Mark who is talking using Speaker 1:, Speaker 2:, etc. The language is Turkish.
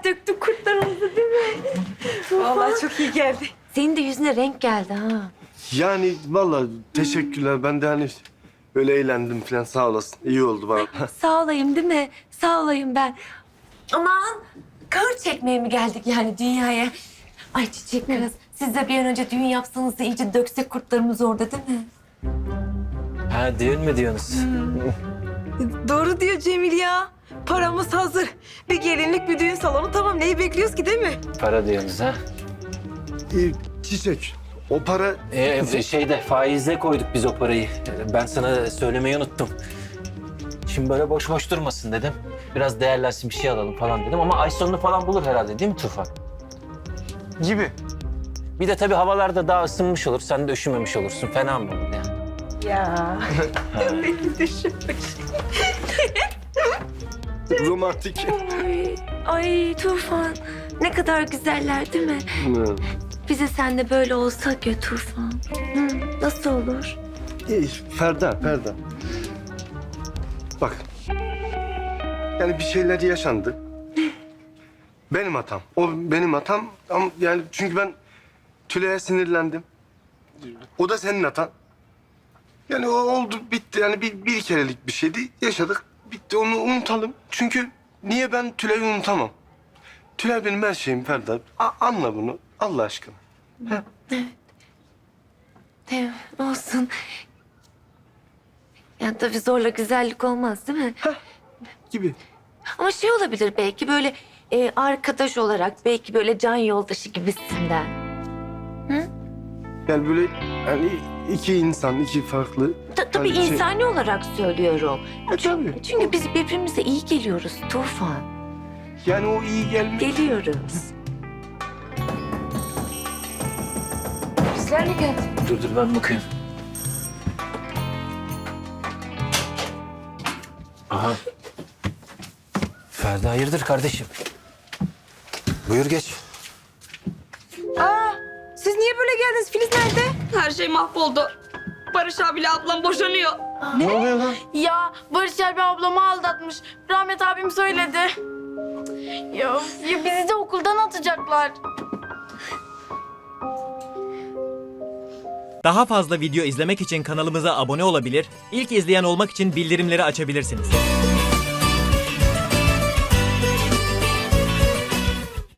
Speaker 1: döktük kurtlarımızı değil mi?
Speaker 2: Vallahi çok iyi geldi.
Speaker 1: Senin de yüzüne renk geldi ha.
Speaker 3: Yani vallahi teşekkürler. Ben de hani öyle eğlendim falan, sağ olasın. İyi oldu bana.
Speaker 1: Sağ olayım değil mi? Sağ olayım ben. Aman kahır çekmeye mi geldik yani dünyaya? Ay çiçek kız, siz de bir an önce düğün yapsanız da iyice döksek kurtlarımızı orada değil mi?
Speaker 4: Ha, düğün mü diyorsunuz?
Speaker 2: Doğru diyor Cemil ya. Paramız hazır. Bir gelinlik, bir düğün salonu tamam. Neyi bekliyoruz ki değil mi?
Speaker 4: Para diyorsunuz ha?
Speaker 3: Çiçek, o para...
Speaker 4: Şeyde faizle koyduk biz o parayı. Ben sana söylemeyi unuttum. Şimdi böyle boş boş durmasın dedim. Biraz değerlensin, bir şey alalım falan dedim ama ay sonunu falan bulur herhalde değil mi Tufan?
Speaker 3: Gibi.
Speaker 4: Bir de tabii havalarda daha ısınmış olur. Sen de üşümemiş olursun. Fena mı olur ya?
Speaker 2: Ya.
Speaker 3: Romantik.
Speaker 1: Ay Tufan, ne kadar güzeller değil mi? Bize sen de böyle olsak ya Tufan. Hı, nasıl olur?
Speaker 3: Ferda. Bak. Yani bir şeyler yaşandı. Benim hatam. O benim hatam. Ama yani çünkü ben Tülay'a sinirlendim. O da senin hatan. Yani o oldu, bitti. Yani bir kerelik bir şeydi. Yaşadık, bitti. Onu unutalım. Çünkü niye ben Tülay'ı unutamam? Tülay benim her şeyim Ferda. Anla bunu Allah aşkına.
Speaker 1: Evet, olsun. Yani tabii zorla güzellik olmaz değil mi?
Speaker 3: Gibi.
Speaker 1: Ama şey olabilir belki böyle arkadaş olarak, belki böyle can yoldaşı gibisinden.
Speaker 3: Yani böyle yani iki insan, iki farklı.
Speaker 1: Tabii
Speaker 3: yani şey-
Speaker 1: insani olarak söylüyorum.
Speaker 3: Tabii.
Speaker 1: Çünkü biz birbirimize iyi geliyoruz Tufan.
Speaker 3: Yani o iyi gelmiş.
Speaker 1: Geliyoruz.
Speaker 2: Bizler mi geldi?
Speaker 4: Dur ben bakayım. Aha. Ferda hayırdır kardeşim? Buyur geç.
Speaker 2: Siz niye böyle geldiniz? Filiz nerede?
Speaker 5: Her şey mahvoldu. Barış abiyle ablam boşanıyor.
Speaker 3: Ne oluyor lan?
Speaker 5: Ya Barış abi ablamı aldatmış. Rahmet abim söyledi. Ya bizi de okuldan atacaklar.
Speaker 6: Daha fazla video izlemek için kanalımıza abone olabilir, ilk izleyen olmak için bildirimleri açabilirsiniz.